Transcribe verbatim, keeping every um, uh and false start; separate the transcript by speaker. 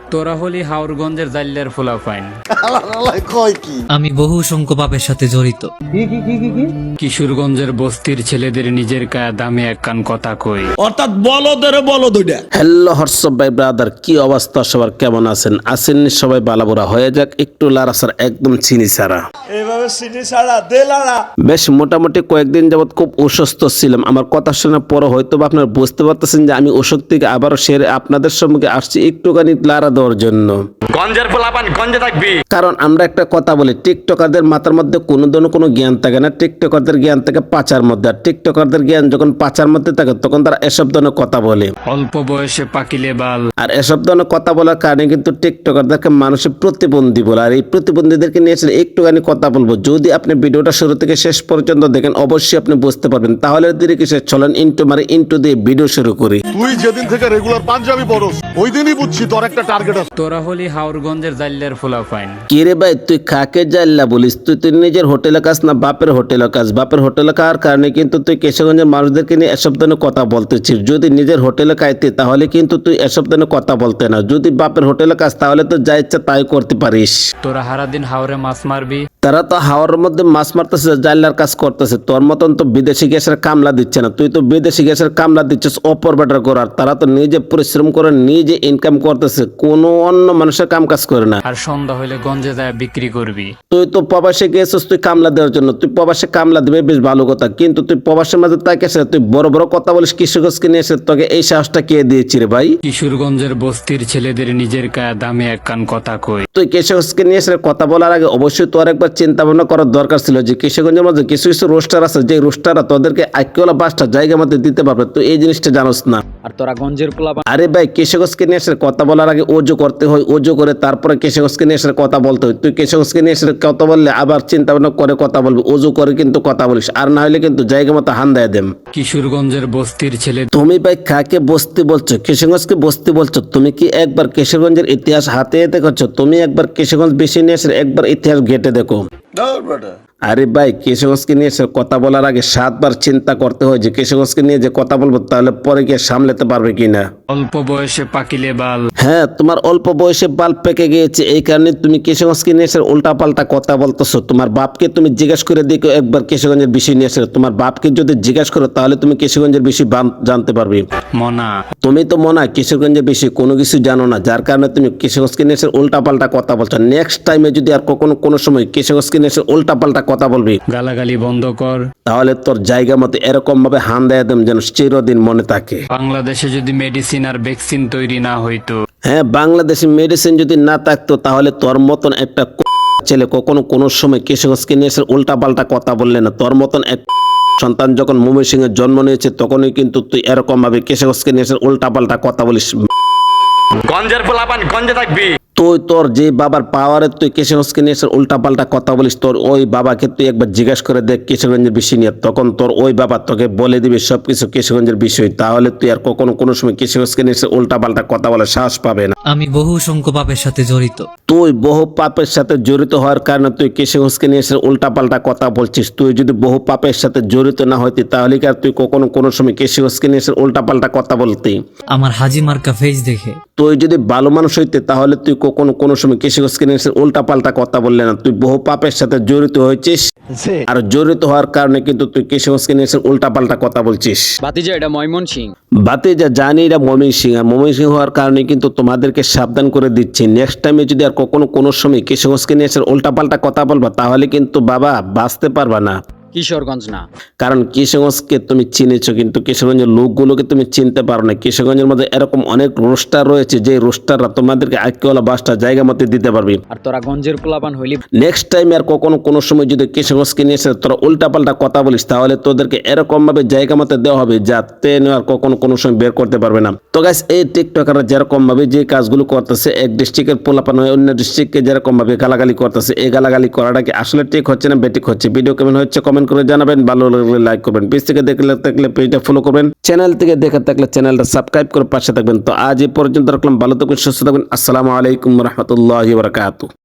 Speaker 1: তোরা হলি হাওরগঞ্জের জাল্লার ফুলাফাইন।
Speaker 2: আমি বহু সংখ্য পাপের সাথে জড়িত।
Speaker 1: কিশোরগঞ্জের বস্তির ছেলেদের নিজের কায়া দামে এক কান কথা কই।
Speaker 3: অর্থাৎ বলদের বলদ ওইটা।
Speaker 4: হ্যালো হোয়াটসঅ্যাপ ভাই ব্রাদার, কি অবস্থা সবার, কেমন আছেন? আছেন সবাই বালাবুরা? হয়ে যাক একটু লারাসার একদম চিনি ছাড়া।
Speaker 3: এইভাবে সিটি ছাড়া দেলারা
Speaker 4: বেশ মোটামুটি কয়েকদিন যাবত খুব অসুস্থ ছিলাম। আমার কথা শোনার পরে হয়তো বা আপনারা বুঝতে পারতেছেন যে আমি অসুখ থেকে আবারও সেরে আপনাদের সম্মুখে আসছি একটুখানি লারা দেওয়ার জন্য।
Speaker 5: গঞ্জের পোলাপান গঞ্জে থাকবি।
Speaker 4: কারণ আমরা একটা কথা বলি, টিকটকারদের মাথার মধ্যে কোনো ধরনের কোনো জ্ঞান থাকে না। টিকটকারদের জ্ঞান থাকে পাচার মধ্যে, আর টিকটকারদের জ্ঞান যখন পাচার মধ্যে থাকে তখন তারা এসব ধরনের কথা বলে।
Speaker 1: অল্প বয়সে পাকিলে বাল।
Speaker 4: আর এসব ধরনের কথা বলার কারণে কিন্তু টিকটকারদেরকে মানুষের প্রতিবন্ধী বলে। আর এই প্রতিবন্ধীদেরকে নিয়ে এসে একটুখানি কথা বলবো। যদি আপনি ভিডিওটা শুরু থেকে শেষ পর্যন্ত দেখেন অবশ্যই আপনি বুঝতে পারবেন। তাহলে ধীরে কিসে চলেন ইন্টু মারে ইন্টু দিয়ে ভিডিও শুরু করি।
Speaker 6: তুই যেদিন থেকে রেগুলার পাঞ্জাবি পরস ওই দিনই বুঝছি তোর একটা টার্গেট আছে।
Speaker 1: তোরা হলি হাওরগঞ্জের জাল্লার ফুলাফাইন।
Speaker 4: কি রে ভাই, তুই কাকে জাল্লা বলিস? তুই তুই নিজের হোটেলে কাজ না বাপের হোটেলে কাজ? বাপের হোটেলে খাওয়ার কারণে কিন্তু তুই কেশবগঞ্জের মানুষদেরকে নিয়ে এসব ধরনের কথা বলতেছিস। যদি নিজের হোটেলে খাইতে তাহলে কিন্তু তুই এসব ধরনের কথা বলতে না। যদি বাপের হোটেলে কাজ তাহলে তো যা ইচ্ছা তাই করতে পারিস।
Speaker 1: তোরা সারাদিন হাওরে মাছ মারবি।
Speaker 4: তারা তো হাওয়ার মধ্যে মাছ মারতেছে, জাল্লার কাজ করতেছে। তোর মতন তো বিদেশি গ্যাসের কামলা দিচ্ছে না। তুই তো বিদেশি গ্যাসের কামলা দিচ্ছিস অপর বেটার করার। তারা তো নিজে পরিশ্রম করে নিজে ইনকাম করতেছে, কোনো অন্য মানুষের কাম কাজ করে না।
Speaker 1: আর সন্ধ্যা হইলে গঞ্জে যায় বিক্রি করবি।
Speaker 4: তুই তো প্রবাসে গিয়েছিস তুই কামলা দেওয়ার জন্য। তুই প্রবাসে কামলা দিবে বেশ ভালো কথা, কিন্তু তুই প্রবাসের মাঝে তাকে এসে তুই বড় বড় কথা বলিস। কিশোরগঞ্জকে নিয়ে এসে তোকে এই সাহসটা কে দিয়েছি রে ভাই?
Speaker 1: কিশোরগঞ্জের বস্তির ছেলেদের নিজের কায়া দামে এক কান কথা কই।
Speaker 4: তুই কিশোরগঞ্জকে নিয়ে এসে কথা বলার আগে অবশ্যই তোর একবার চিন্তা ভাবনা করার দরকার ছিল যে কিশোরগঞ্জের মধ্যে কিছু কিছু রোস্টার আছে, যে রোস্টাররা তোদেরকে আইকিওলা বাসটা জায়গা মধ্যে দিতে পারবে। তুই এই জিনিসটা জানোস না।
Speaker 7: আর তোরা গঞ্জের পোলাপান।
Speaker 4: আরে ভাই, কিশোরগঞ্জকে নিয়ে এসে কথা বলার আগে ওজো করতে হয়, ওজো করে তারপরে কিশোরগঞ্জকে নিয়ে এসে কথা বলতে হয়। তুই কিশোরগঞ্জকে নিয়ে এসে কথা বললে আবার চিন্তা ভাবনা করে কথা বলবি, ওজো করে কিন্তু কথা বলিস। আর না হলে কিন্তু জায়গা মতো হান দেয় দেম।
Speaker 1: কিশোরগঞ্জের বস্তির ছেলে।
Speaker 4: তুমি ভাই কাকে বস্তি বলছো? কিশোরগঞ্জকে বস্তি বলছো? তুমি কি একবার কিশোরগঞ্জের ইতিহাস হাতে দেখেছো? তুমি একবার কিশোরগঞ্জ বেশি নিয়ে এসে একবার ইতিহাস ঘেটে দেখো। আরে ভাই, কিশোরগঞ্জকে নিয়ে এসে কথা বলার আগে সাতবার চিন্তা করতে হয় যে কিশোরগঞ্জকে নিয়ে যে কথা বলবো তাহলে পরে গিয়ে সামলাতে পারবে কিনা।
Speaker 1: অল্প বয়সে পাকিলে বাল।
Speaker 4: হ্যাঁ, তোমার অল্প বয়সে বাল পেকে গিয়েছে, এই কারণে তুমি কিশোরগঞ্জকে নিয়ে এসে উল্টা পাল্টা কথা বলতেছো। তোমার বাপকে তুমি জিজ্ঞেস করে দেখো একবার কিশোরগঞ্জের বিষয় নিয়ে এসে। তোমার বাপকে যদি জিজ্ঞেস করো তাহলে তুমি কিশোরগঞ্জের বিষয় জানতে পারবে।
Speaker 1: মনা,
Speaker 4: তুমি তো মনে হয় কিশোরগঞ্জের বিষয়ে কোনো কিছু জানো না, যার কারণে তুমি কিশোরগঞ্জকে নিয়ে এসে উল্টা পাল্টা কথা বলছো। নেক্সট টাইমে যদি আর কখনো কোনো সময় কিশোরগঞ্জকে নিয়ে এসে উল্টা পাল্টা কথা বলবি,
Speaker 1: গালাগালি বন্ধ কর।
Speaker 4: তাহলে তোর জায়গা মতো এরকম ভাবে হান দেয় দেম যেন চিরদিন মনে থাকে।
Speaker 1: বাংলাদেশে যদি মেডিসিন আর ভ্যাকসিন তৈরি না হইতো।
Speaker 4: হ্যাঁ, বাংলাদেশে মেডিসিন যদি না থাকতো তাহলে তোর মতন একটা ছেলে কখনো কোনো সময় কিশোরগঞ্জকে নিয়ে এসে উল্টা পাল্টা কথা বললে না। তোর মতন এক সন্তান যখন ময়মনসিংহে জন্ম নিয়েছে তখনই কিন্তু তুই এরকম ভাবে কিশোরগঞ্জকে নিয়ে এসে উল্টা পাল্টা কথা বলিস।
Speaker 5: গঞ্জের পোলাপান গঞ্জে থাকবি।
Speaker 4: তুই তোর যে বাবার পাওয়ারে তুই কিশোরগঞ্জকে নিয়ে এসে উল্টা পাল্টা কথা বলিস, তোর ওই বাবাকে তুই একবার জিজ্ঞাসা করে দেখ কিশোরগঞ্জের বিষয় নিয়ে। তখন তোর ওই বাবা তোকে বলে দিবি সবকিছু কিশোরগঞ্জের বিষয়। তাহলে তুই আর কখনো কোনো সময় কিশোরগঞ্জকে নিয়ে এসে উল্টা পাল্টা কথা বলার সাহস পাবে না।
Speaker 2: আমি বহু সংখ্য পাপের সাথে জড়িত।
Speaker 4: তুই বহু পাপের সাথে জড়িত হওয়ার কারণে তুই কিশোরগঞ্জকে নিয়ে এসে উল্টা পাল্টা কথা বলছিস। তুই যদি বহু পাপের সাথে জড়িত না হইতি তাহলে কি আর তুই কখনো কোনো সময় কিশোরগঞ্জকে নিয়ে এসে উল্টা পাল্টা কথা বলতি?
Speaker 2: আমার হাজি মার্কা ফেজ দেখে।
Speaker 4: তুই যদি ভালো মানুষ হইতে তাহলে তুই কখনো কোনো সময় কিশোরগঞ্জকে নিয়ে এসে উল্টা পাল্টা কথা বললে না। তুই বহু পাপের সাথে জড়িত হয়েছিস, আর জড়িত হওয়ার কারণে কিন্তু তুই কিশোরগঞ্জকে নিয়ে এসে উল্টা পাল্টা কথা বলছিস।
Speaker 7: বাতিজা এটা ময়মনসিং।
Speaker 4: বাতিজা জানি এটা ময়মনসিং, আর ময়মনসিং হওয়ার কারণে কিন্তু তোমাদেরকে সাবধান করে দিচ্ছি। নেক্সট টাইমে যদি আর কখনো কোনো সময় কিশোরগঞ্জকে নিয়ে এসে উল্টা পাল্টা কথা বলবা তাহলে কিন্তু বাবা বাঁচতে পারবা না।
Speaker 7: কিশোরগঞ্জ না,
Speaker 4: কারণ কিশোরগঞ্জকে তুমি চিনেছো কিন্তু কিশোরগঞ্জের লোকগুলোকে তুমি চিনতে পারো না। কিশোরগঞ্জের মধ্যে এরকম অনেক রোস্টার রয়েছে যে রোস্টাররা তোমাদেরকে আইকিওলা বাসটা জায়গা মতো দিতে পারবে।
Speaker 7: আর তোরা গঞ্জের পোলাপান হইলি।
Speaker 4: নেক্সট টাইম আর কখনো কোনো সময় যদি কিশোরগঞ্জকে নিয়ে এসে তোরা উল্টা পাল্টা কথা বলিস তাহলে তোদেরকে এরকম ভাবে জায়গা মতো দেওয়া হবে যাতে আর কখনো কোনো সময় বের করতে পারবে না। তো গাইস, এই টিকটকাররা যেরকম ভাবে যে কাজগুলো করতেছে, এক ডিস্ট্রিক্টের পোলাপান হয়ে অন্য ডিস্ট্রিক্টকে যেরকম ভাবে গালাগালি করতেছে, এই গালাগালি করাটা কি আসলে ঠিক হচ্ছে না বেঠিক হচ্ছে? ভিডিও কেমন হচ্ছে কমেন্ট করে জানাবেন। ভালো লাগলে লাইক করবেন, পেজ থেকে দেখলে থাকলে পেজটা ফলো করবেন, চ্যানেল থেকে দেখে থাকলে চ্যানেলটা সাবস্ক্রাইব করে পাশে থাকবেন। তো আজ এই পর্যন্ত রাখলাম, ভালো থাকবেন, সুস্থ থাকবেন। আসসালামু আলাইকুম রহমতুল্লাহি ওয়া বারাকাতুহু।